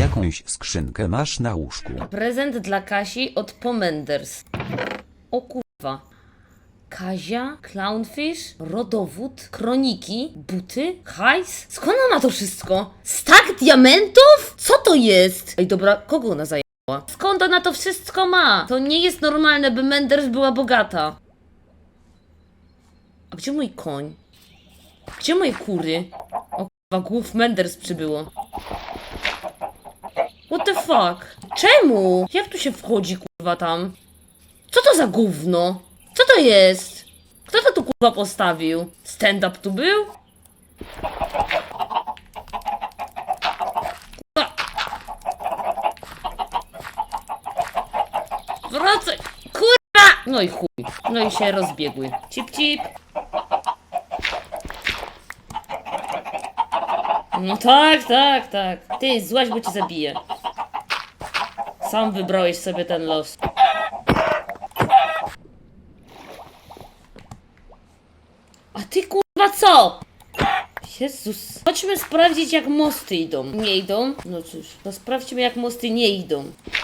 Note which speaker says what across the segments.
Speaker 1: jakąś skrzynkę masz na łóżku.
Speaker 2: Prezent dla Kasi od Pomenders. O kurwa. Kazia, clownfish, rodowód, kroniki, buty, hajs? Skąd ona ma to wszystko? Stak diamentów? Co to jest? Ej, dobra, kogo ona zajęła? Skąd ona to wszystko ma? To nie jest normalne, by Menders była bogata. A gdzie mój koń? Gdzie moje kury? O kurwa, głów Menders przybyło. What the fuck? Czemu? Jak tu się wchodzi, kurwa, tam? Co to za gówno? Co to jest? Kto to tu, kurwa, postawił? Stand-up tu był? Kurwa. Wracaj! Kurwa! No i chuj. No i się rozbiegły. Cip, cip. No tak, tak, tak. Ty, złaź, bo cię zabiję. Sam wybrałeś sobie ten los. A ty kurwa co? Jezus. Chodźmy sprawdzić, jak mosty idą. Nie idą? No cóż, to sprawdźmy, jak mosty nie idą.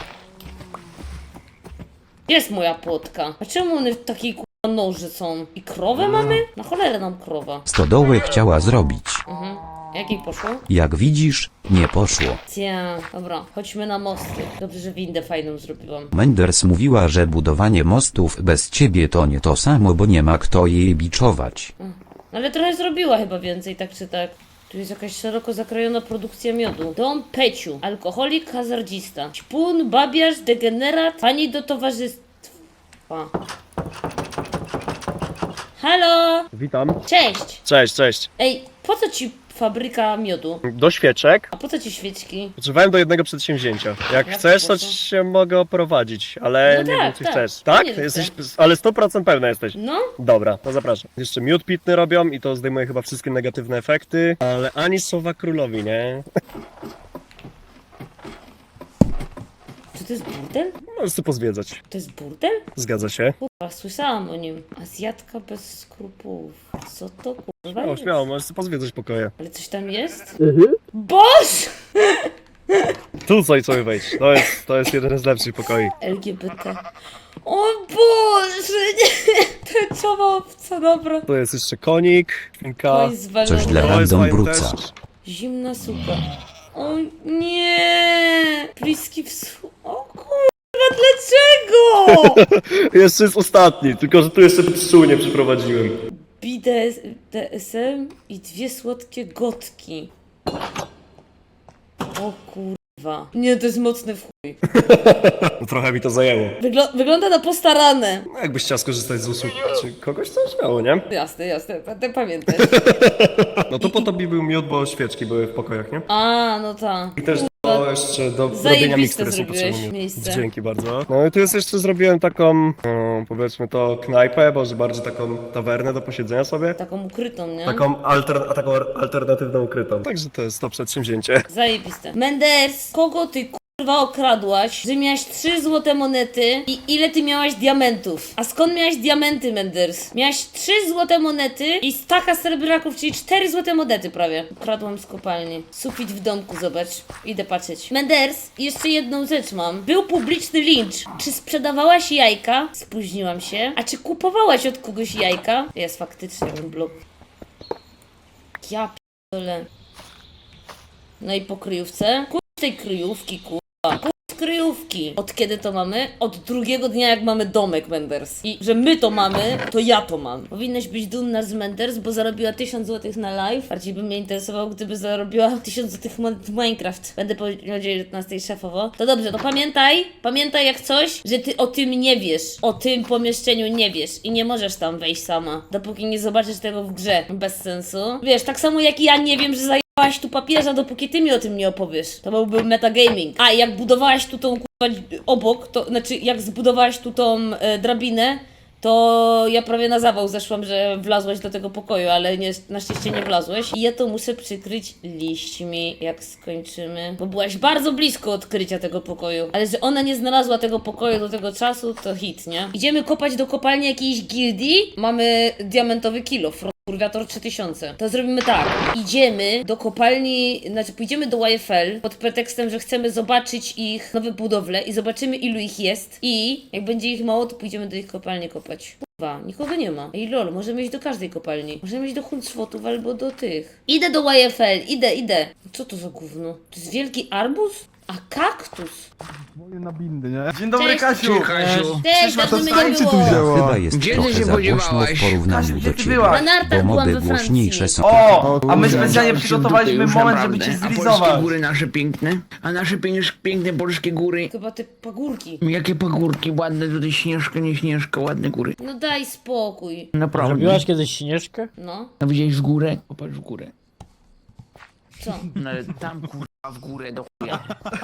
Speaker 2: Jest moja płotka. A czemu one w takiej kurwa noży są? I krowę mamy? Na cholerę nam krowa.
Speaker 1: Stodołę chciała zrobić.
Speaker 2: Jak jej poszło?
Speaker 1: Jak widzisz, nie poszło.
Speaker 2: Cia, dobra, chodźmy na mosty. Dobrze, że windę fajną zrobiłam.
Speaker 1: Menders mówiła, że budowanie mostów bez ciebie to nie to samo, bo nie ma kto jej biczować.
Speaker 2: Ale trochę zrobiła chyba więcej, tak czy tak. Tu jest jakaś szeroko zakrojona produkcja miodu. Dom Peciu. Alkoholik, hazardzista. Ćpun, babiarz, degenerat. Pani do towarzystwa. Halo!
Speaker 3: Witam.
Speaker 2: Cześć!
Speaker 3: Cześć, cześć.
Speaker 2: Ej, po co ci fabryka miodu?
Speaker 3: Do świeczek
Speaker 2: A po co ci świeczki?
Speaker 3: potrzebowałem do jednego przedsięwzięcia. Jak
Speaker 2: Jak
Speaker 3: chcesz,
Speaker 2: po
Speaker 3: to
Speaker 2: co?
Speaker 3: cię mogę oprowadzić, ale
Speaker 2: No
Speaker 3: nie
Speaker 2: tak,
Speaker 3: wiem, czy
Speaker 2: tak.
Speaker 3: chcesz.
Speaker 2: Ja
Speaker 3: Tak?
Speaker 2: nie
Speaker 3: Jesteś,
Speaker 2: chcę.
Speaker 3: ale 100% pełna jesteś.
Speaker 2: No?
Speaker 3: Dobra, to zapraszam. Jeszcze miód pitny robią i to zdejmuje chyba wszystkie negatywne efekty, ale ani słowa królowi, nie?
Speaker 2: Czy to jest burdel?
Speaker 3: Możesz sobie pozwiedzać.
Speaker 2: To jest burdel?
Speaker 3: Zgadza się.
Speaker 2: Kurwa, słyszałam o nim. Azjatka bez skrupułów. Co to kurwa
Speaker 3: Śmiało,
Speaker 2: jest?
Speaker 3: śmiało, możesz sobie pozwiedzać pokoje.
Speaker 2: Ale coś tam jest? Boż!
Speaker 3: Tu sobie wejdź. To jest jeden z lepszych pokoi.
Speaker 2: LGBT. O Boże, nie! Tęczowa obca, dobra.
Speaker 3: Tu jest jeszcze konik, świnka.
Speaker 2: Koń zwalony.
Speaker 1: Coś dla
Speaker 3: To jest
Speaker 1: random
Speaker 3: fajne
Speaker 1: bruca.
Speaker 3: też.
Speaker 2: Zimna suka. O nie! Bliski wschód. O kurwa, dlaczego?
Speaker 3: Jeszcze jest ostatni, tylko że tu jeszcze pszczół nie przyprowadziłem.
Speaker 2: BDSM i 2 słodkie gotki. O kurwa. Nie, to jest mocny w chuj.
Speaker 3: Trochę mi to zajęło.
Speaker 2: Wygląda na postarane.
Speaker 3: No jakbyś chciał skorzystać z usług czy kogoś, to śmiało, nie?
Speaker 2: Jasne, jasne, będę pamiętać.
Speaker 3: No to po tobie był miód, bo świeczki były w pokojach, nie?
Speaker 2: A, no tak.
Speaker 3: I też do jeszcze do robienia
Speaker 2: Zajebiste
Speaker 3: mikstur są
Speaker 2: zrobiłeś
Speaker 3: potrzebne.
Speaker 2: miejsce.
Speaker 3: Dzięki bardzo. No i tu jest jeszcze zrobiłem taką, no, powiedzmy to knajpę, może bardziej taką tawernę do posiedzenia sobie.
Speaker 2: Taką ukrytą, nie?
Speaker 3: Taką alternatywną ukrytą. Także to jest to przedsięwzięcie.
Speaker 2: Zajebiste. Menders, kogo ty kurwa okradłaś, że miałaś 3 złote monety i ile ty miałaś diamentów? A skąd miałaś diamenty, Menders? Miałaś 3 złote monety i staka srebrnaków, czyli 4 złote monety prawie. Ukradłam z kopalni. Sufit w domku, zobacz. Idę patrzeć. Menders, jeszcze jedną rzecz mam. Był publiczny lincz. Czy sprzedawałaś jajka? Spóźniłam się. A czy kupowałaś od kogoś jajka? Jest faktycznie ten blok. Ja p***dolę. No i po kryjówce. Kurz tej kryjówki, kurwa. Kurz kryjówki. Od kiedy to mamy? Od drugiego dnia, jak mamy domek, Menders. I że my to mamy, to ja to mam. Powinnaś być dumna z Menders, bo zarobiła 1000 zł na live. Bardziej by mnie interesowało, gdyby zarobiła 1000 zł w Minecraft. Będę po 19 szefowo. To dobrze, to pamiętaj jak coś, że ty o tym nie wiesz. O tym pomieszczeniu nie wiesz. I nie możesz tam wejść sama. Dopóki nie zobaczysz tego w grze. Bez sensu. Wiesz, tak samo jak ja nie wiem, że budowałaś tu papieża, dopóki ty mi o tym nie opowiesz. To byłby metagaming. A jak budowałaś tu tą kurwa obok, to znaczy jak zbudowałaś tu tą drabinę, to ja prawie na zawał zeszłam, że wlazłeś do tego pokoju, ale nie, na szczęście nie wlazłeś. I ja to muszę przykryć liśćmi, jak skończymy. Bo byłaś bardzo blisko odkrycia tego pokoju. Ale że ona nie znalazła tego pokoju do tego czasu, to hit, nie? Idziemy kopać do kopalni jakiejś gildii. Mamy diamentowy kilof. Purgator 3000. To zrobimy tak. Idziemy do kopalni, znaczy pójdziemy do YFL pod pretekstem, że chcemy zobaczyć ich nowe budowle i zobaczymy ilu ich jest i jak będzie ich mało, to pójdziemy do ich kopalni kopać. Kurwa, nikogo nie ma. Ej lol, możemy iść do każdej kopalni. Możemy iść do Huncwotów albo do tych. Idę do YFL, idę. Co to za gówno? To jest wielki arbuz? A kaktus?
Speaker 4: Moje na bindy, nie?
Speaker 5: Dzień dobry,
Speaker 2: Cześć.
Speaker 5: Kasiu!
Speaker 6: Kasiu.
Speaker 2: Cześć, dawno mnie nie
Speaker 4: Czy tu
Speaker 2: było.
Speaker 4: wzięła?
Speaker 1: Chyba jest
Speaker 6: Gdzie ty
Speaker 1: trochę
Speaker 6: się
Speaker 1: za głośno w
Speaker 6: podziewałaś?
Speaker 1: porównaniu
Speaker 5: Kasiu,
Speaker 1: do
Speaker 5: gdzie ty
Speaker 1: ciebie,
Speaker 5: byłaś?
Speaker 2: Na nartach
Speaker 1: bo
Speaker 2: byłam
Speaker 1: mody
Speaker 2: we
Speaker 1: głośniejsze
Speaker 2: Francji.
Speaker 1: są.
Speaker 5: O! A my
Speaker 4: kurde.
Speaker 5: specjalnie przygotowaliśmy moment, żeby cię zrealizować.
Speaker 6: polskie góry nasze piękne, a nasze piękne polskie góry.
Speaker 2: Chyba te pagórki.
Speaker 6: Jakie pagórki, ładne tutaj Śnieżka, nie Śnieżka, ładne góry.
Speaker 2: No daj spokój.
Speaker 6: Naprawdę.
Speaker 7: Robiłaś kiedyś Śnieżkę?
Speaker 2: No,
Speaker 6: A widziałeś w górę? Popatrz w górę.
Speaker 2: co?
Speaker 6: No ale tam kurwa w górę do chuja.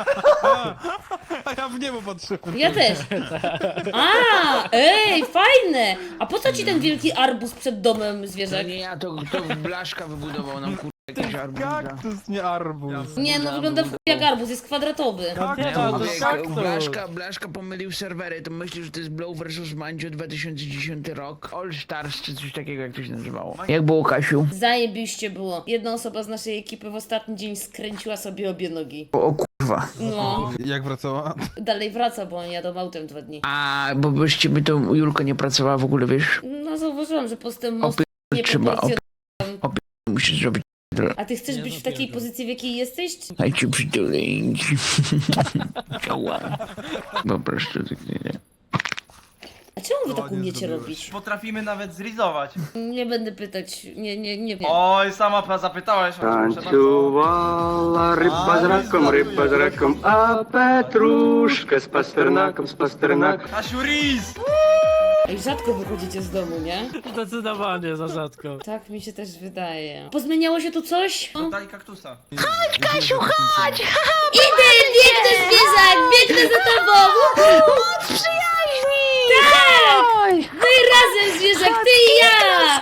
Speaker 4: A ja w niebo patrzyłem.
Speaker 2: Ja też. A, ej, fajne. A po co ci ten wielki arbuz przed domem
Speaker 6: To
Speaker 2: zwierzak?
Speaker 6: nie ja, to Blaszka wybudował nam kurwa jakieś arbuza.
Speaker 4: Kaktus, nie arbuz.
Speaker 2: Nie, no wygląda w chuj jak arbuz, jest kwadratowy.
Speaker 4: Kaktus,
Speaker 7: to
Speaker 4: to
Speaker 7: jest
Speaker 4: kaktus.
Speaker 6: Blaszka pomylił serwery, to myślisz, że to jest Blow vs Mandzio 2010 rok? All Stars czy coś takiego, jak to się nazywało. Jak było, Kasiu?
Speaker 2: Zajebiście było. Jedna osoba z naszej ekipy w ostatni dzień skręciła sobie obie nogi.
Speaker 6: O kurwa.
Speaker 2: No,
Speaker 4: Jak wracała?
Speaker 2: dalej wraca, bo oni jadą autem 2 dni.
Speaker 6: A, bo bez ciebie to Julka nie pracowała w ogóle, wiesz?
Speaker 2: No zauważyłam, że postęp mostu
Speaker 6: Trzeba,
Speaker 2: nieproporcjonalny.
Speaker 6: musisz zrobić.
Speaker 2: A ty chcesz być w takiej pozycji, w jakiej jesteś?
Speaker 6: Daj ci przytulę. Ciała. Po prostu tak nie.
Speaker 2: A czemu wy tak
Speaker 4: Ładnie
Speaker 2: umiecie
Speaker 4: zrobiłeś.
Speaker 2: robić?
Speaker 5: Potrafimy nawet zrealizować.
Speaker 2: Nie będę pytać, nie wiem.
Speaker 5: Oj, sama zapytałeś, proszę bardzo.
Speaker 8: Tańcowała ryba z raką, a Petruszkę z pasternakiem,
Speaker 5: Kasiu, Riz!
Speaker 2: Ej, rzadko wychodzicie z domu, nie?
Speaker 7: Zdecydowanie za rzadko.
Speaker 2: Tak mi się też wydaje. Pozmieniało się tu coś? O.
Speaker 5: Daj kaktusa.
Speaker 2: Idę, biegnę zwierzak, biegnę za tobą! Moc przyjaźni! Tak! My razem zwierzak, ty i ja!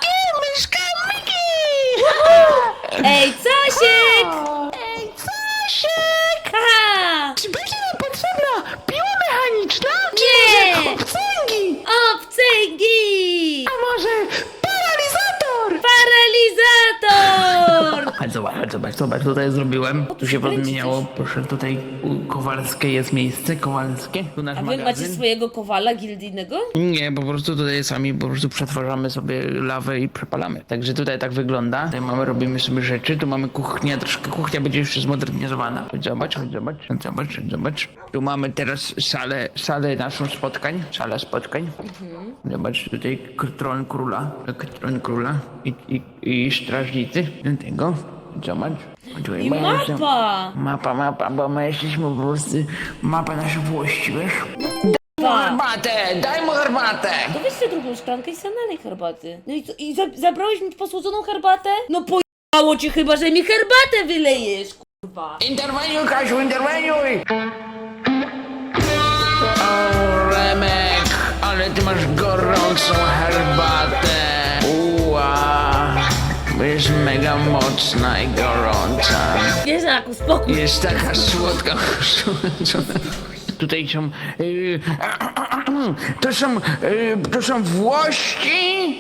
Speaker 2: Ej, Cosiek! Ej, Cosiek! Haha!
Speaker 6: Czy będzie nam potrzebna piła mechaniczna?
Speaker 2: Nie!
Speaker 6: Obcęgi!
Speaker 2: Obcęgi!
Speaker 6: A może paralizator?
Speaker 2: Paralizator!
Speaker 6: Zobacz, tutaj zrobiłem. Tu się
Speaker 2: kręcicie
Speaker 6: podmieniało, proszę, tutaj u Kowalskie jest miejsce, Kowalskie. Tu nasz
Speaker 2: A wy macie
Speaker 6: magazyn.
Speaker 2: swojego kowala gildijnego?
Speaker 6: Nie, po prostu tutaj sami po prostu przetwarzamy sobie lawę i przepalamy. Także tutaj tak wygląda. Tutaj robimy sobie rzeczy, tu mamy kuchnię, troszkę kuchnia będzie jeszcze zmodernizowana. Zobacz. Tu mamy teraz salę naszą spotkań, sala spotkań. Zobacz, tutaj tron króla i strażnicy do tego. Zobacz. Tutaj
Speaker 2: I
Speaker 6: mamy jeszcze-
Speaker 2: mapa!
Speaker 6: Mapa, bo my jesteśmy po prostu mapa naszych włości, wiesz? Daj mu herbatę!
Speaker 2: To weź sobie drugą szklankę i sam nalej herbaty. No i co, zabrałeś mi posłodzoną herbatę? No pojebało cię chyba, że mi herbatę wylejesz, kurwa.
Speaker 6: Interweniuj, Kasiu, interweniuj! O, Remek, ale ty masz gorącą herbatę. Jest mega mocna i gorąca.
Speaker 2: Zwierzaku, spokój.
Speaker 6: Jest taka słodka. Tutaj są... to są włości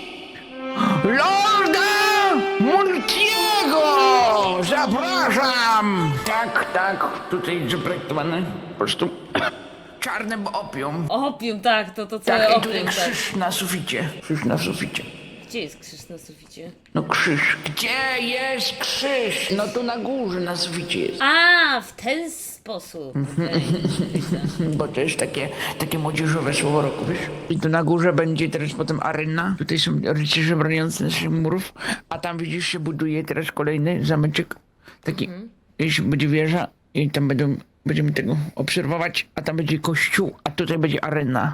Speaker 6: Lorda Multiego! Zapraszam! Tak, tutaj zaprojektowane po prostu czarne opium.
Speaker 2: Opium, tak, to całe
Speaker 6: Tak, i
Speaker 2: opium,
Speaker 6: tutaj
Speaker 2: tak.
Speaker 6: krzyż na suficie.
Speaker 2: Gdzie jest krzyż na suficie?
Speaker 6: No krzyż. Gdzie jest krzyż? No tu na górze, na suficie jest.
Speaker 2: A, w ten sposób. Okej.
Speaker 6: Bo to jest takie młodzieżowe słowo roku, wiesz? I tu na górze będzie teraz potem arena. Tutaj są rycerze broniący naszych murów. A tam widzisz, się buduje teraz kolejny zameczek. Taki, jeśli będzie wieża i tam będziemy tego obserwować, a tam będzie kościół, a tutaj będzie arena.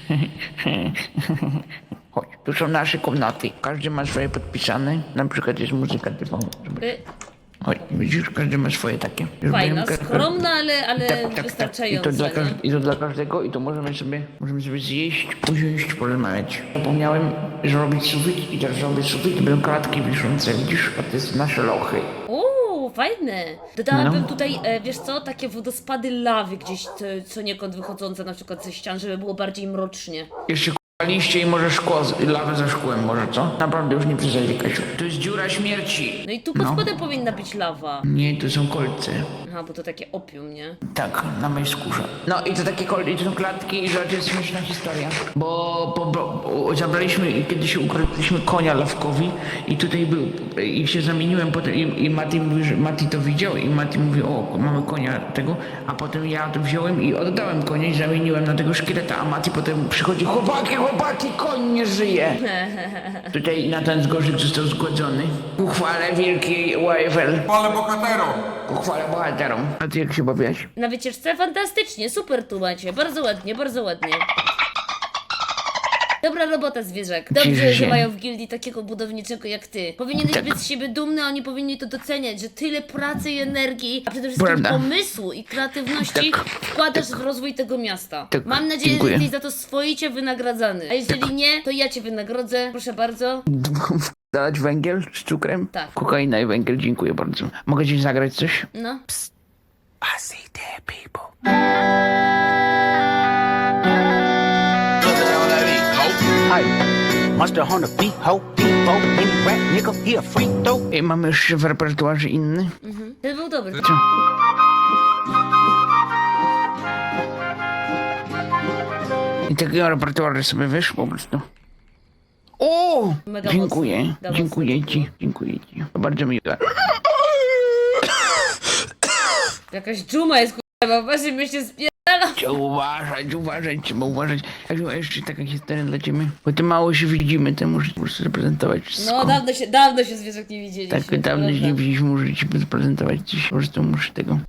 Speaker 6: Chodź, tu są nasze komnaty. Każdy ma swoje podpisane. Na przykład jest muzyka typowa. Chodź, widzisz, każdy ma swoje takie.
Speaker 2: Fajna,
Speaker 6: Zrobiłem
Speaker 2: skromna, ale
Speaker 6: tak.
Speaker 2: wystarczająca.
Speaker 6: I to dla każdego i to możemy sobie zjeść, usiąść, porozmawiać. Zapomniałem zrobić sufit i teraz zrobię sufit, będą klatki wiszące, widzisz, a to jest nasze lochy.
Speaker 2: Uuu, fajne. Dodałabym
Speaker 6: No.
Speaker 2: tutaj, wiesz co, takie wodospady lawy gdzieś co niekąd wychodzące na przykład ze ścian, żeby było bardziej mrocznie.
Speaker 6: Jeszcze liście i może szkło, lawę ze szkłem może, co? Naprawdę już nie przesadzaj, Kasiu. To jest dziura śmierci.
Speaker 2: No i tu pod spodem powinna być lawa.
Speaker 6: Nie, to są kolce.
Speaker 2: Aha, bo to takie opium, nie?
Speaker 6: Tak, na mojej skórze. No i to takie kolce, i to są klatki i rzecz jest śmieszna historia. Bo zabraliśmy, kiedyś ukradliśmy konia lawkowi i tutaj był, i się zamieniłem potem i Mati mówi, że Mati to widział i Mati mówi, o, mamy konia tego, a potem ja to wziąłem i oddałem konia i zamieniłem na tego szkieleta, a Mati potem przychodzi, chłopaki, koń nie żyje. Tutaj Natan Zgorzyk został zgładzony. Ku chwale wielkiej YFL.
Speaker 9: Chwale bohaterom!
Speaker 6: Ku chwale bohaterom. A ty jak się bawiłaś?
Speaker 2: Na wycieczce fantastycznie, super tu macie, bardzo ładnie, bardzo ładnie. Dobra robota, zwierzak. Dobrze,
Speaker 6: Cieszę
Speaker 2: że
Speaker 6: się.
Speaker 2: mają w gildii takiego budowniczego jak ty. Powinieneś
Speaker 6: Tak.
Speaker 2: być z siebie dumny, a oni powinni to doceniać, że tyle pracy i energii, a przede wszystkim
Speaker 6: Prawda.
Speaker 2: pomysłu i kreatywności
Speaker 6: Tak.
Speaker 2: wkładasz w rozwój tego miasta.
Speaker 6: Tak.
Speaker 2: Mam nadzieję,
Speaker 6: Dziękuję.
Speaker 2: że jesteś za to swoicie wynagradzany. A jeżeli nie, to ja cię wynagrodzę, proszę bardzo.
Speaker 6: Dać węgiel z cukrem?
Speaker 2: Tak.
Speaker 6: Kokaina i węgiel, dziękuję bardzo. Mogę ci zagrać coś?
Speaker 2: No.
Speaker 6: I see dead people. I mamy jeszcze w repertuarze inny.
Speaker 2: Ten był dobry.
Speaker 6: I takiego repertuaru sobie wiesz po prostu. O!
Speaker 2: Mega
Speaker 6: Dziękuję,
Speaker 2: mocno. Mega
Speaker 6: dziękuję
Speaker 2: mocno
Speaker 6: ci, dziękuję ci. To bardzo miłe.
Speaker 2: Jakaś dżuma jest k***a, właśnie my się spierdala.
Speaker 6: Trzeba uważać. A jeszcze taka historia dla ciebie. Bo ty mało się widzimy, to muszę po prostu zaprezentować wszystko.
Speaker 2: No dawno się zwierzak nie widzieliśmy.
Speaker 6: Tak, dawno się nie widzieliśmy, muszę ci zaprezentować coś. Po prostu muszę tego.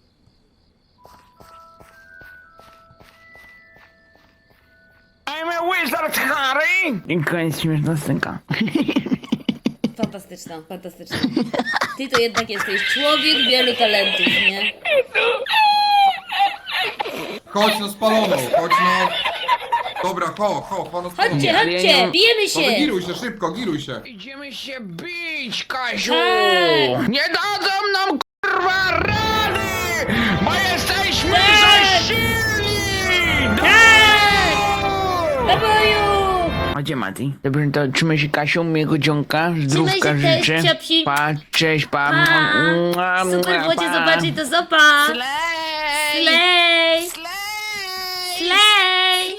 Speaker 6: I'm a wizard, Harry! I koniec śmieszna scenka.
Speaker 2: Fantastyczna, fantastyczna. Ty to jednak jesteś człowiek wielu talentów, nie?
Speaker 9: Chodź no spaloną, chodź no... Dobra, no spaloną.
Speaker 2: Chodźcie,
Speaker 6: ale ja
Speaker 2: chodźcie,
Speaker 6: nie mam-
Speaker 2: bijemy
Speaker 9: No
Speaker 2: się!
Speaker 9: giruj się, szybko, giruj się.
Speaker 6: Idziemy się bić, Kasiu!
Speaker 2: Tak.
Speaker 6: Nie dadzą nam kurwa rady! Bo jesteśmy
Speaker 2: Tak.
Speaker 6: za silni!
Speaker 2: Do boju!
Speaker 6: A gdzie Mati? Dobrze, to trzymaj się Kasią, miłego dzionka, zdrówka
Speaker 2: się też,
Speaker 6: życzę.
Speaker 2: ciapsi.
Speaker 6: Pa, cześć, pa.
Speaker 2: Pa! Super było cię zobaczyć, to zopa!
Speaker 6: Slej!
Speaker 2: Slej! Slej!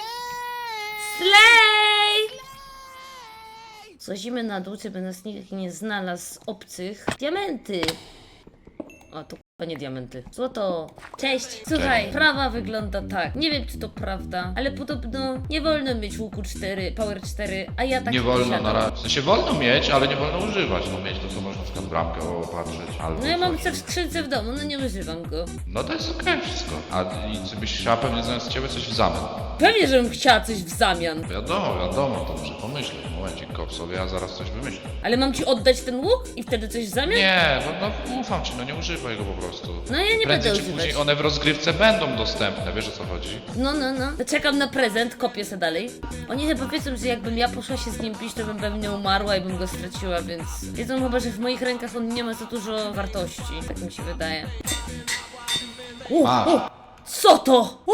Speaker 2: Slej! Złazimy na dół, żeby nas nikt nie znalazł z obcych. Diamenty! A to k***a nie diamenty. Złoto! Cześć! Słuchaj, prawa wygląda tak. Nie wiem, czy to prawda, ale podobno nie wolno mieć łuku 4, power 4, a ja tak
Speaker 10: Nie wolno
Speaker 2: posiadam.
Speaker 10: na razie. W sensie wolno mieć, ale nie wolno używać. No mieć to co można na przykład bramkę opatrzyć albo
Speaker 2: No ja mam
Speaker 10: coś.
Speaker 2: coś w skrzynce w domu, no nie używam go.
Speaker 10: No to jest okej wszystko. A i ty byś chciała pewnie zamiast ciebie coś w zamian.
Speaker 2: Pewnie, żebym chciała coś w zamian.
Speaker 10: Wiadomo, to muszę pomyśleć. Momencik, kop sobie, ja zaraz coś wymyślę.
Speaker 2: Ale mam ci oddać ten łuk i wtedy coś w zamian?
Speaker 10: Nie, no ufam ci, no nie używaj go po prostu.
Speaker 2: No ja nie
Speaker 10: Prędzej
Speaker 2: będę
Speaker 10: czy
Speaker 2: używać.
Speaker 10: później one w rozgrywce będą dostępne, wiesz o co chodzi?
Speaker 2: No. To czekam na prezent, kopię se dalej. Oni chyba wiedzą, że jakbym ja poszła się z nim bić, to bym pewnie umarła i bym go straciła, więc wiedzą chyba, że w moich rękach on nie ma za dużo wartości. Tak mi się wydaje.
Speaker 10: Masz.
Speaker 2: Co to?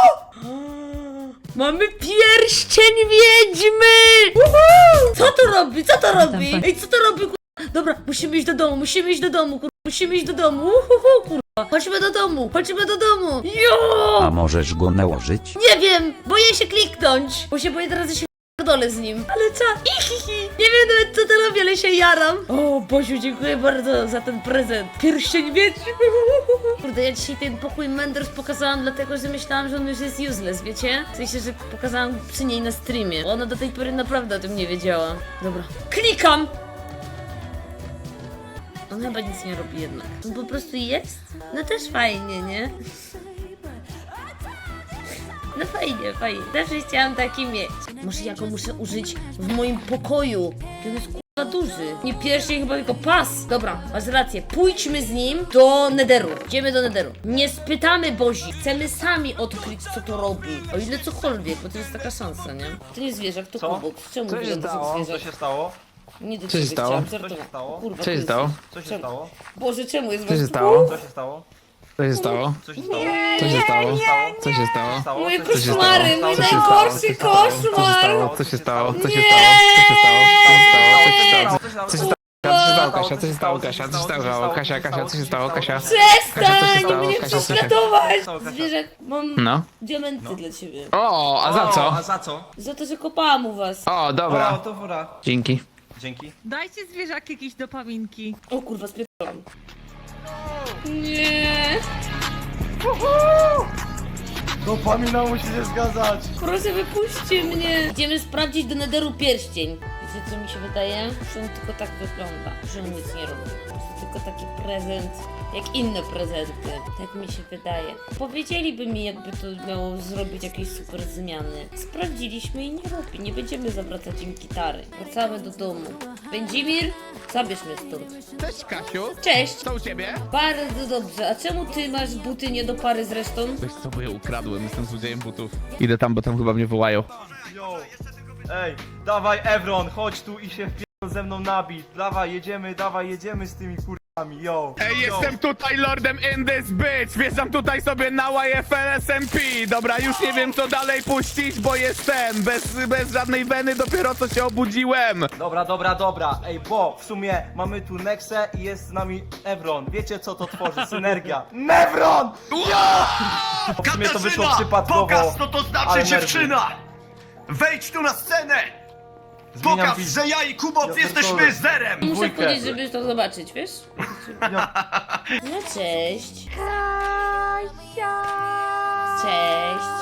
Speaker 2: Mamy pierścień wiedźmy! Co to robi? Co to robi? Ej, co to robi, kurwa? Dobra, musimy iść do domu, kurwa. Musimy iść do domu, kurwa. Chodźmy do domu. Jo!
Speaker 1: A możesz go nałożyć?
Speaker 2: Nie wiem, boję się kliknąć, bo się boję teraz, że się dole z nim. Ale co? Nie wiem nawet co to robię, ale się jaram. O, Boziu, dziękuję bardzo za ten prezent. Pierścień wiedźmy. Kurde, ja dzisiaj ten pokój Menders pokazałam dlatego, że myślałam, że on już jest useless, wiecie? W sensie, że pokazałam przy niej na streamie. Ona do tej pory naprawdę o tym nie wiedziała. Dobra. Klikam! On chyba nic nie robi jednak. On po prostu jest? No też fajnie, nie? No fajnie. Zawsze chciałam taki mieć. Może ja go muszę użyć w moim pokoju. Ten jest k***a duży. Nie pierścień, chyba tylko pas. Dobra, masz rację. Pójdźmy z nim do Netheru. Idziemy do Netheru. Nie spytamy Bozi. Chcemy sami odkryć, co to robi. O ile cokolwiek, bo to jest taka szansa, nie? To nie zwierzak, to
Speaker 5: Co?
Speaker 2: kubok. Czemu
Speaker 5: Co się
Speaker 2: wygląda jak
Speaker 5: stało? Co
Speaker 2: zwierzak?
Speaker 5: się stało?
Speaker 2: Nie do
Speaker 6: Co się
Speaker 2: ciebie
Speaker 6: stało?
Speaker 2: chciałam
Speaker 5: Co się
Speaker 2: żartować.
Speaker 5: stało?
Speaker 2: Kurwa,
Speaker 6: Co
Speaker 2: to
Speaker 6: się
Speaker 2: jest-
Speaker 6: stało?
Speaker 5: Co się stało?
Speaker 2: Boże, czemu jest
Speaker 6: Co się
Speaker 2: was-
Speaker 6: stało?
Speaker 5: Co się stało?
Speaker 6: Co się stało?
Speaker 5: Co się stało?
Speaker 6: Co się stało? Co się
Speaker 5: Co
Speaker 6: stało?
Speaker 2: Moje
Speaker 5: Co się stało?
Speaker 2: koszmary, mój
Speaker 5: Co się
Speaker 2: najgorszy koszmar!
Speaker 6: Co się stało? Co się
Speaker 2: Nie!
Speaker 6: stało? Co się stało? Co się stało, Kasia? Co się stało, Kasia? Co się stało, Kasia? Kasia, co się stało, Kasia? Kasia, co się
Speaker 2: Przestań
Speaker 6: stało?
Speaker 2: mnie
Speaker 6: Kasia, co się-
Speaker 2: prześladować!
Speaker 5: stało, Kasia?
Speaker 2: Zwierzak, mam
Speaker 6: No.
Speaker 2: diamenty dla ciebie.
Speaker 6: O, a za co?
Speaker 5: A za co?
Speaker 2: Za to, że kopałam u was.
Speaker 6: O,
Speaker 5: O,
Speaker 6: dobra.
Speaker 5: to fura.
Speaker 6: Dzięki.
Speaker 5: Dzięki.
Speaker 11: Dajcie zwierzaki jakieś dopaminki.
Speaker 2: O kurwa, spierdolam. Nie.
Speaker 5: Dopamina musi się zgadzać.
Speaker 2: Proszę, wypuśćcie mnie. Idziemy sprawdzić do Netheru pierścień. Wiecie, co mi się wydaje? Że on tylko tak wygląda. Że on nic nie robi. Po prostu tylko taki prezent, jak inne prezenty. Tak mi się wydaje. Powiedzieliby mi, jakby to miało zrobić jakieś super zmiany. Sprawdziliśmy i nie robi. Nie będziemy zawracać im gitary. Wracamy do domu. Będzimir, zabierz mnie stąd.
Speaker 4: Cześć, Kasiu.
Speaker 2: Cześć.
Speaker 4: Co u ciebie?
Speaker 2: Bardzo dobrze. A czemu ty masz buty nie do pary z resztą?
Speaker 4: Wiesz co, bo je ukradłem, jestem złodziejem butów. Idę tam, bo tam chyba mnie wołają.
Speaker 5: Yo. Ej, dawaj Evron, chodź tu i się wpierdol ze mną nabić. Dawaj, jedziemy z tymi kurwami, yo.
Speaker 4: Ej,
Speaker 5: Yo.
Speaker 4: jestem tutaj lordem in this bitch! Wjeżdżam tutaj sobie na YFL SMP! Dobra, już nie wiem co dalej puścić, bo jestem bez żadnej weny, dopiero co się obudziłem!
Speaker 5: Dobra. Ej, bo w sumie mamy tu Nexę i jest z nami Evron. Wiecie co to tworzy? Synergia. Nevron! Yo! W sumie to wyszło przypadkowo.
Speaker 8: Pokaż, co to znaczy
Speaker 5: ale
Speaker 8: dziewczyna! Wejdź tu na scenę!
Speaker 5: Zmieniam
Speaker 8: Pokaż,
Speaker 5: film.
Speaker 8: że ja i Kubot
Speaker 5: Ja
Speaker 8: jesteśmy
Speaker 5: pierdolę.
Speaker 8: zerem!
Speaker 2: Muszę
Speaker 5: Dwójkę.
Speaker 2: powiedzieć, żeby to zobaczyć, wiesz? No cześć. Cześć.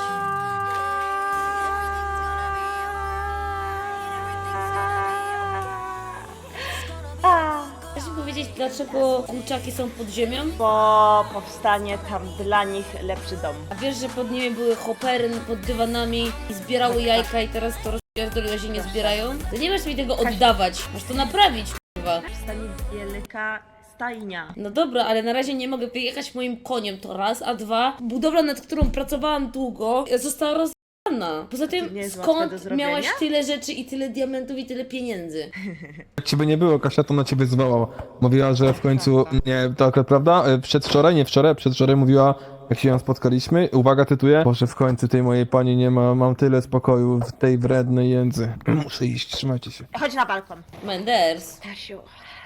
Speaker 2: Chcesz mi powiedzieć, dlaczego kurczaki są pod ziemią?
Speaker 11: Bo powstanie tam dla nich lepszy dom.
Speaker 2: A wiesz, że pod nimi były hopery pod dywanami i zbierały jajka i teraz to rozpierdoliłeś i nie zbierają? To nie masz mi tego oddawać, masz to naprawić, kurwa.
Speaker 11: Powstanie wielka stajnia.
Speaker 2: No dobra, ale na razie nie mogę wyjechać moim koniem, to raz, a dwa, budowla, nad którą pracowałam długo, została rozwiązana. Poza tym,
Speaker 11: nie jest łatwe do
Speaker 2: skąd
Speaker 11: zrobienia?
Speaker 2: miałaś tyle rzeczy i tyle diamentów i tyle pieniędzy?
Speaker 12: Jak ciebie nie było, Kasia to na ciebie zwołała. Mówiła, że w końcu, nie, to akurat prawda, przedwczoraj mówiła, jak się ją spotkaliśmy, uwaga, tytuję, Boże, w końcu tej mojej pani nie ma, mam tyle spokoju w tej wrednej jędzy. Muszę iść, trzymajcie się.
Speaker 11: Chodź na balkon.
Speaker 2: Menders.
Speaker 11: Stasiu,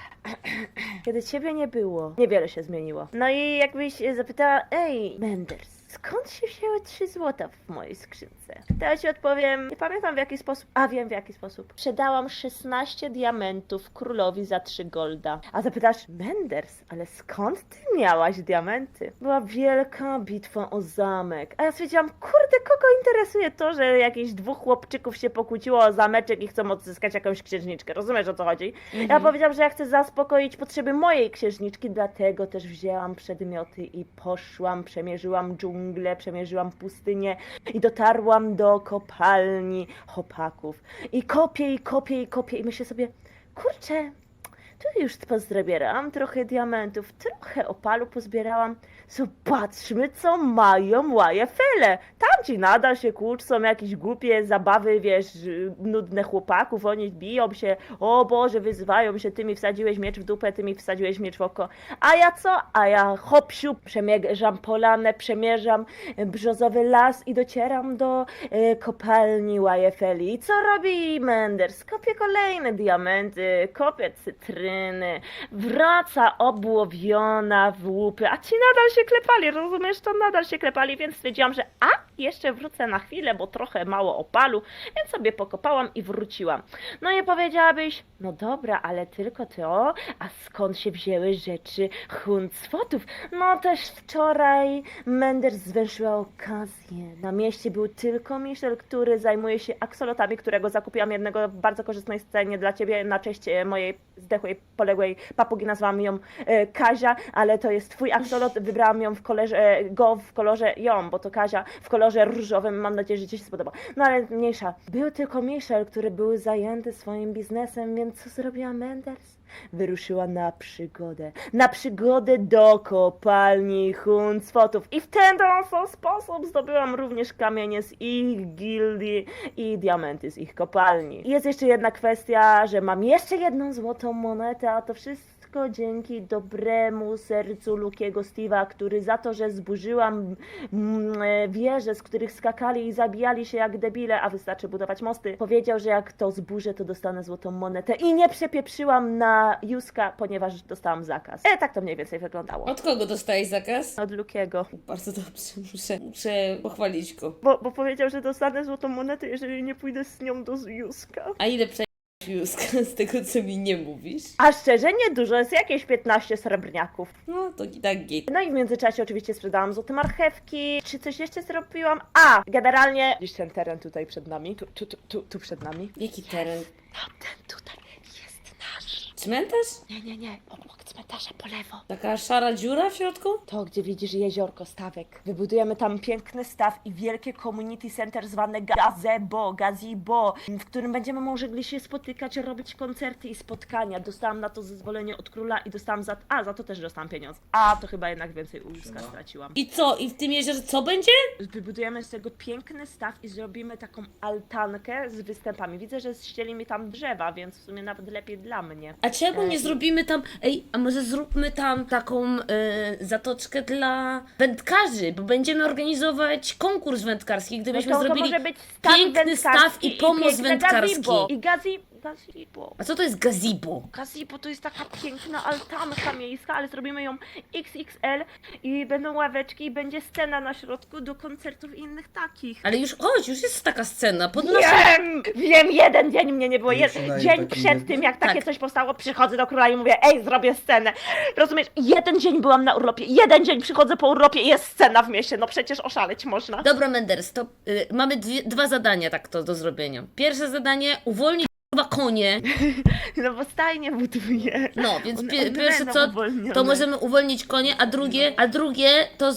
Speaker 11: kiedy ciebie nie było, niewiele się zmieniło. No i jakbyś zapytała, ej, Menders, skąd się wzięły 3 złota w mojej skrzynce? To ja ci odpowiem, nie pamiętam w jaki sposób, a wiem w jaki sposób. Sprzedałam 16 diamentów królowi za 3 golda. A zapytasz, Menders, ale skąd ty miałaś diamenty? Była wielka bitwa o zamek. A ja stwierdziłam, kurde, kogo interesuje to, że jakieś 2 chłopczyków się pokłóciło o zameczek i chcą odzyskać jakąś księżniczkę. Rozumiesz, o co chodzi? Ja powiedziałam, że ja chcę zaspokoić potrzeby mojej księżniczki, dlatego też wzięłam przedmioty i poszłam, przemierzyłam dżunglę, przemierzyłam pustynię i dotarłam do kopalni chłopaków. I kopię i myślę sobie, kurczę, tu już pozbierałam trochę diamentów, trochę opalu pozbierałam. Zobaczmy, co mają YFL-e. Tamci nadal się kłócą, jakieś głupie zabawy, wiesz, nudne chłopaków, oni biją się, o Boże, wyzywają się, ty mi wsadziłeś miecz w dupę, ty mi wsadziłeś miecz w oko. A ja co? A ja hop-siup, przemierzam polanę, przemierzam brzozowy las i docieram do kopalni YFL. I co robi Menders? Kopie kolejne diamenty, kopie cytryny, wraca obłowiona w łupy, a ci nadal się klepali, rozumiesz, to nadal się klepali, więc stwierdziłam, że jeszcze wrócę na chwilę, bo trochę mało opalu, więc sobie pokopałam i wróciłam. No i powiedziałabyś, no dobra, ale tylko to, a skąd się wzięły rzeczy Huncwotów? No też wczoraj Menders zwęszyła okazję. Na mieście był tylko Michel, który zajmuje się aksolotami, którego zakupiłam jednego w bardzo korzystnej scenie dla ciebie na cześć mojej zdechłej, poległej papugi, nazwałam ją Kazia, ale to jest twój aksolot, wybrałam ją w kolorze ją, bo to Kazia, w kolorze różowym, mam nadzieję, że ci się spodoba. No ale mniejsza. Był tylko Michel, który był zajęty swoim biznesem, więc co zrobiła Menders? Wyruszyła na przygodę do kopalni Huncwotów i w ten oto sposób zdobyłam również kamienie z ich gildii i diamenty z ich kopalni. Jest jeszcze jedna kwestia, że mam jeszcze jedną złotą monetę, a to wszystko wszystko dzięki dobremu sercu Lukiego Steve'a, który za to, że zburzyłam wieże, z których skakali i zabijali się jak debile, a wystarczy budować mosty, powiedział, że jak to zburzę, to dostanę złotą monetę i nie przepieprzyłam na Juska, ponieważ dostałam zakaz. Tak to mniej więcej wyglądało.
Speaker 2: Od kogo dostałeś zakaz?
Speaker 11: Od Lukiego.
Speaker 2: Bardzo dobrze, muszę pochwalić go.
Speaker 11: Bo powiedział, że dostanę złotą monetę, jeżeli nie pójdę z nią do Juska.
Speaker 2: A ile przejdziesz Józka z tego, co mi nie mówisz?
Speaker 11: A szczerze nie dużo, jest jakieś 15 srebrniaków.
Speaker 2: No to i tak git.
Speaker 11: No i w międzyczasie oczywiście sprzedałam złote marchewki. Czy coś jeszcze zrobiłam? Generalnie gdzieś ten teren tutaj przed nami. Tu przed nami.
Speaker 2: Jaki teren?
Speaker 11: Tamten tutaj jest nasz.
Speaker 2: Cmentarz?
Speaker 11: Nie. Obok cmentarza po lewo.
Speaker 2: Taka szara dziura w środku?
Speaker 11: To, gdzie widzisz jeziorko, stawek. Wybudujemy tam piękny staw i wielkie community center zwane gazebo, w którym będziemy mogli się spotykać, robić koncerty i spotkania. Dostałam na to zezwolenie od króla i dostałam za to też dostałam pieniądze. A, to chyba jednak więcej u Józka straciłam.
Speaker 2: I co? I w tym jeziorze co będzie?
Speaker 11: Wybudujemy z tego piękny staw i zrobimy taką altankę z występami. Widzę, że ścieli mi tam drzewa, więc w sumie nawet lepiej dla mnie.
Speaker 2: A czemu nie zrobimy tam... Ej, a może zróbmy tam taką zatoczkę dla wędkarzy, bo będziemy organizować konkurs wędkarski, gdybyśmy
Speaker 11: to
Speaker 2: zrobili
Speaker 11: może być staw
Speaker 2: piękny staw
Speaker 11: wędkarski
Speaker 2: i pomost
Speaker 11: piękne
Speaker 2: wędkarski.
Speaker 11: gazebo. I gazebo.
Speaker 2: A co to jest gazebo?
Speaker 11: Gazebo to jest taka piękna altanka miejska, ale zrobimy ją XXL i będą ławeczki i będzie scena na środku do koncertów i innych takich.
Speaker 2: Ale już jest taka scena pod naszym...
Speaker 11: Wiem, jeden dzień mnie nie było. Dzień przed tym, jak takie coś powstało, przychodzę do króla i mówię, zrobię scenę. Rozumiesz? Jeden dzień byłam na urlopie, jeden dzień przychodzę po urlopie i jest scena w mieście. No przecież oszaleć można.
Speaker 2: Dobra, Menders, to mamy dwa zadania tak to do zrobienia. Pierwsze zadanie, uwolnić konie.
Speaker 11: No bo stajnie buduję.
Speaker 2: No, więc
Speaker 11: One
Speaker 2: pierwsze
Speaker 11: będą
Speaker 2: co,
Speaker 11: uwolnione.
Speaker 2: to możemy uwolnić konie, a drugie to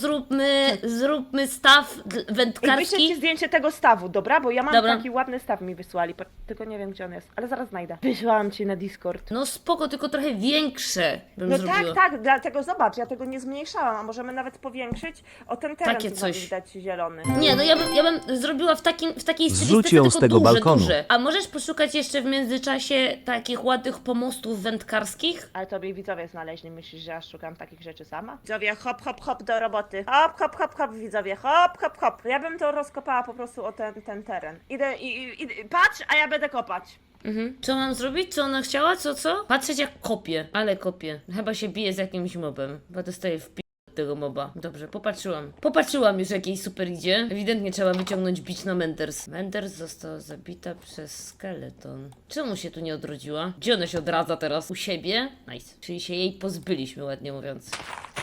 Speaker 2: zróbmy staw
Speaker 11: I wyślę ci
Speaker 2: wędkarski.
Speaker 11: zdjęcie tego stawu, dobra? Bo ja mam
Speaker 2: Dobra.
Speaker 11: taki ładny staw mi wysłali, tylko nie wiem gdzie on jest, ale zaraz znajdę. Wysłałam ci na Discord.
Speaker 2: No spoko, tylko trochę większe bym
Speaker 11: No
Speaker 2: zrobiła.
Speaker 11: tak, dlatego zobacz, ja tego nie zmniejszałam, a możemy nawet powiększyć o ten teren,
Speaker 2: Takie
Speaker 11: co
Speaker 2: coś.
Speaker 11: widać zielony.
Speaker 2: Nie, no ja bym zrobiła w takiej stylistyce,
Speaker 1: Zrzuć ją
Speaker 2: tylko
Speaker 1: z tego
Speaker 2: duże,
Speaker 1: balkonu.
Speaker 2: duże. A możesz poszukać jeszcze w międzyczasie takich ładnych pomostów wędkarskich?
Speaker 11: Ale tobie widzowie znaleźli, myślisz, że ja szukam takich rzeczy sama? Widzowie, hop do roboty. Hop, widzowie, hop. Ja bym to rozkopała po prostu o ten teren. Idę patrz, a ja będę kopać.
Speaker 2: Co mam zrobić? Co ona chciała? Co? Patrzeć jak kopie. Ale kopie. Chyba się bije z jakimś mobem. Chyba dostaję w tego moba. Dobrze, popatrzyłam już jak jej super idzie. Ewidentnie trzeba wyciągnąć bić na Menders. Menders została zabita przez skeleton. Czemu się tu nie odrodziła? Gdzie ona się odradza teraz? U siebie? Nice. Czyli się jej pozbyliśmy, ładnie mówiąc.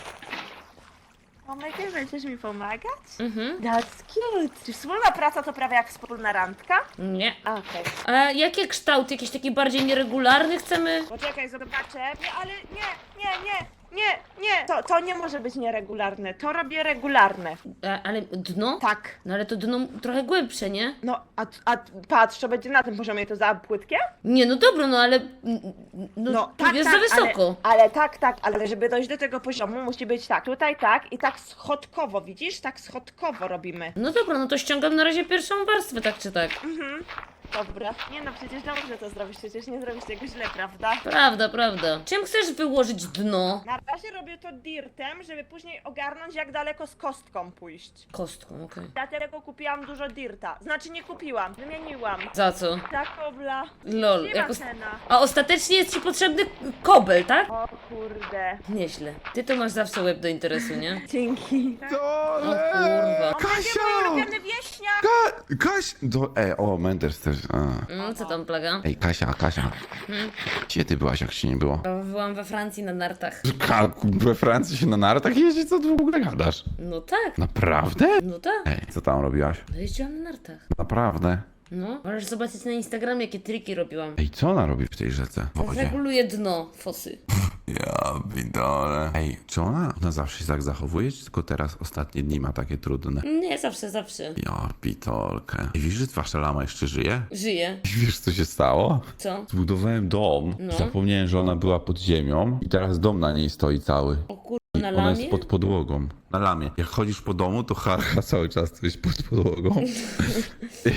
Speaker 11: Omega, będziesz mi pomagać? That's cute. Czy wspólna praca to prawie jak wspólna randka?
Speaker 2: Nie.
Speaker 11: Okej.
Speaker 2: A jakie kształty? Jakieś takie bardziej nieregularny chcemy?
Speaker 11: Poczekaj, zobaczę. Nie, ale nie. To nie może być nieregularne. To robię regularne.
Speaker 2: Ale dno?
Speaker 11: Tak.
Speaker 2: No ale to dno trochę głębsze, nie?
Speaker 11: No, a patrz, to będzie na tym poziomie, to za płytkie?
Speaker 2: Nie, no dobra, no ale... No, tu jest za wysoko.
Speaker 11: Ale ale żeby dojść do tego poziomu musi być tak, tutaj tak i tak schodkowo, widzisz? Tak schodkowo robimy.
Speaker 2: No dobra, no to ściągam na razie pierwszą warstwę, tak czy tak.
Speaker 11: Dobra. Nie no, przecież dobrze to zrobisz, przecież nie zrobisz tego źle, prawda?
Speaker 2: Prawda. Czym chcesz wyłożyć dno?
Speaker 11: Na razie robię to dirtem, żeby później ogarnąć jak daleko z kostką pójść.
Speaker 2: Kostką, okej.
Speaker 11: Dlatego kupiłam dużo dirta. Znaczy nie kupiłam, wymieniłam.
Speaker 2: Za co?
Speaker 11: Za kobla.
Speaker 2: Lol.
Speaker 11: Nie ma cena.
Speaker 2: A ostatecznie jest ci potrzebny kobel, tak?
Speaker 11: O kurde.
Speaker 2: Nieźle. Ty to masz zawsze łeb do interesu, nie?
Speaker 11: Dzięki.
Speaker 2: O kurwa.
Speaker 8: Kasia!
Speaker 11: Mój ulubiony wieśniak!
Speaker 10: O, Menders też.
Speaker 2: Co tam plaga?
Speaker 10: Ej, Kasia. Gdzie ty byłaś, jak się nie było?
Speaker 2: Byłam we Francji na nartach.
Speaker 10: We Francji się na nartach jeździ? Co ty w ogóle gadasz?
Speaker 2: No tak.
Speaker 10: Naprawdę?
Speaker 2: No tak.
Speaker 10: Ej, co tam robiłaś?
Speaker 2: No jeździłam na nartach.
Speaker 10: Naprawdę?
Speaker 2: No. Możesz zobaczyć na Instagramie, jakie triki robiłam.
Speaker 10: Ej, co ona robi w tej rzece? W wodzie?
Speaker 2: Reguluję dno fosy.
Speaker 10: Ja bidole. Ej, czy ona zawsze się tak zachowuje, czy tylko teraz ostatnie dni ma takie trudne?
Speaker 2: Nie, zawsze.
Speaker 10: Ja pitolkę. I wiesz, że wasza lama jeszcze żyje?
Speaker 2: Żyję.
Speaker 10: I wiesz, co się stało?
Speaker 2: Co?
Speaker 10: Zbudowałem dom.
Speaker 2: No.
Speaker 10: Zapomniałem, że ona była pod ziemią i teraz dom na niej stoi cały.
Speaker 2: O kurwa,
Speaker 10: I
Speaker 2: na
Speaker 10: ona jest
Speaker 2: lamie?
Speaker 10: pod podłogą. Na lamie. Jak chodzisz po domu, to harcha cały czas tu jest pod podłogą.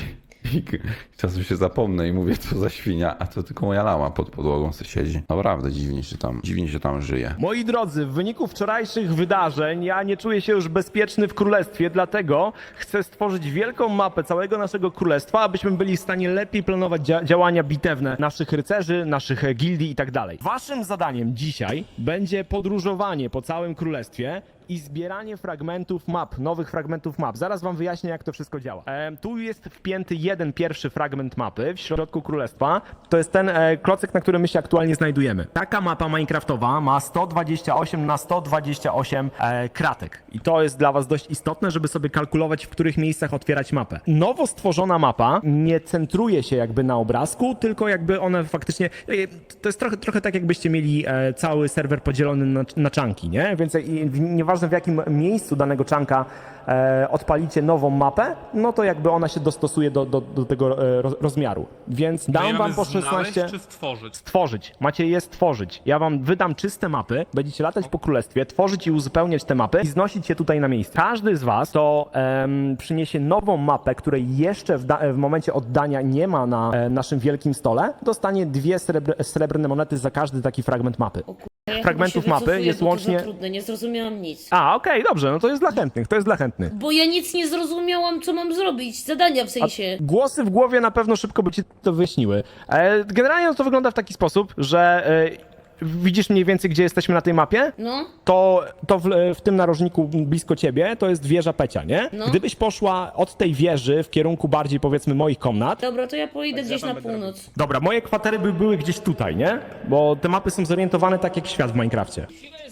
Speaker 10: Czasem się zapomnę i mówię, co za świnia, a to tylko moja lama pod podłogą se siedzi. Naprawdę dziwnie się tam żyje.
Speaker 3: Moi drodzy, w wyniku wczorajszych wydarzeń ja nie czuję się już bezpieczny w królestwie, dlatego chcę stworzyć wielką mapę całego naszego królestwa, abyśmy byli w stanie lepiej planować działania bitewne naszych rycerzy, naszych gildii i tak dalej. Waszym zadaniem dzisiaj będzie podróżowanie po całym królestwie i zbieranie fragmentów map, nowych fragmentów map. Zaraz wam wyjaśnię, jak to wszystko działa. Tu jest wpięty jeden pierwszy fragment mapy w środku królestwa. To jest ten klocek, na którym my się aktualnie znajdujemy. Taka mapa minecraftowa ma 128 na 128 kratek. I to jest dla was dość istotne, żeby sobie kalkulować, w których miejscach otwierać mapę. Nowo stworzona mapa nie centruje się jakby na obrazku, tylko jakby one faktycznie... To jest trochę tak, jakbyście mieli cały serwer podzielony na czanki, nie? Więc nieważne w jakim miejscu danego czanka odpalicie nową mapę, no to jakby ona się dostosuje do tego rozmiaru. Więc dam wam po 16...
Speaker 8: czy stworzyć?
Speaker 3: Stworzyć. Macie je stworzyć. Ja wam wydam czyste mapy, będziecie latać po królestwie, tworzyć i uzupełniać te mapy i znosić je tutaj na miejsce. Każdy z was to przyniesie nową mapę, której jeszcze w momencie oddania nie ma na naszym wielkim stole, dostanie 2 srebrne monety za każdy taki fragment mapy.
Speaker 2: Ja
Speaker 3: Fragmentów
Speaker 2: chyba się
Speaker 3: mapy
Speaker 2: wycofuję,
Speaker 3: jest
Speaker 2: bo to
Speaker 3: łącznie...
Speaker 2: za trudne, nie zrozumiałam nic.
Speaker 3: Okej, dobrze, no to jest dla chętnych,
Speaker 2: Bo ja nic nie zrozumiałam, co mam zrobić. Zadania w sensie.
Speaker 3: Głosy w głowie na pewno szybko by ci to wyjaśniły. Generalnie to wygląda w taki sposób, że widzisz mniej więcej, gdzie jesteśmy na tej mapie?
Speaker 2: No.
Speaker 3: To w tym narożniku blisko ciebie to jest wieża Pecia, nie?
Speaker 2: No.
Speaker 3: Gdybyś poszła od tej wieży w kierunku bardziej, powiedzmy, moich komnat.
Speaker 2: Dobra, to ja pójdę gdzieś na północ.
Speaker 3: Dobra, moje kwatery by były gdzieś tutaj, nie? Bo te mapy są zorientowane tak jak świat w Minecrafcie.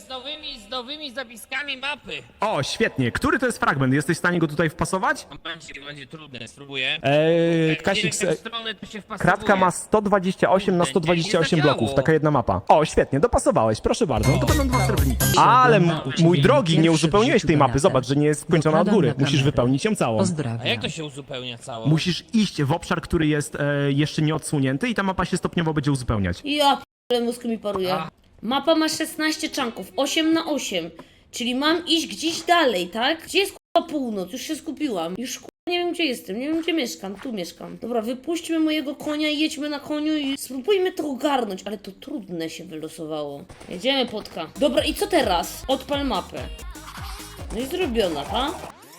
Speaker 6: Z nowymi zapiskami mapy.
Speaker 3: O, świetnie. Który to jest fragment? Jesteś w stanie go tutaj wpasować?
Speaker 6: Będzie trudne, spróbuję.
Speaker 3: Kasik,
Speaker 6: Strony to się wpasowuje.
Speaker 3: kratka ma 128 na 128 bloków, taka jedna mapa. O, świetnie, dopasowałeś, proszę bardzo. No to będą 2 srebrniki. Ale mój drogi, nie uzupełniłeś tej mapy. Zobacz, że nie jest skończona od góry. Musisz wypełnić ją całą.
Speaker 6: A jak to się uzupełnia cało?
Speaker 3: Musisz iść w obszar, który jest jeszcze nie odsłonięty i ta mapa się stopniowo będzie uzupełniać.
Speaker 2: Ja p***le, mózg mi paruje. Mapa ma 16 czanków, 8 na 8. Czyli mam iść gdzieś dalej, tak? Gdzie jest k***a północ? Już się skupiłam. Już k***a nie wiem, gdzie jestem, nie wiem, gdzie mieszkam. Tu mieszkam. Dobra, wypuśćmy mojego konia i jedźmy na koniu i spróbujmy to ogarnąć. Ale to trudne się wylosowało. Jedziemy, Potka. Dobra, i co teraz? Odpal mapę. No i zrobiona, tak?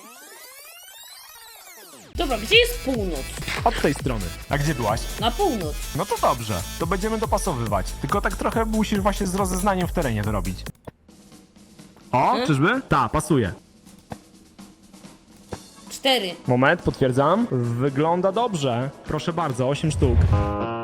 Speaker 2: Dobra, gdzie jest północ?
Speaker 3: Od tej strony. A gdzie byłaś?
Speaker 2: Na północ.
Speaker 3: No to dobrze, to będziemy dopasowywać. Tylko tak trochę musisz właśnie z rozeznaniem w terenie to robić. O, czyżby? Tak, pasuje.
Speaker 2: 4.
Speaker 3: Moment, potwierdzam. Wygląda dobrze. Proszę bardzo, 8 sztuk.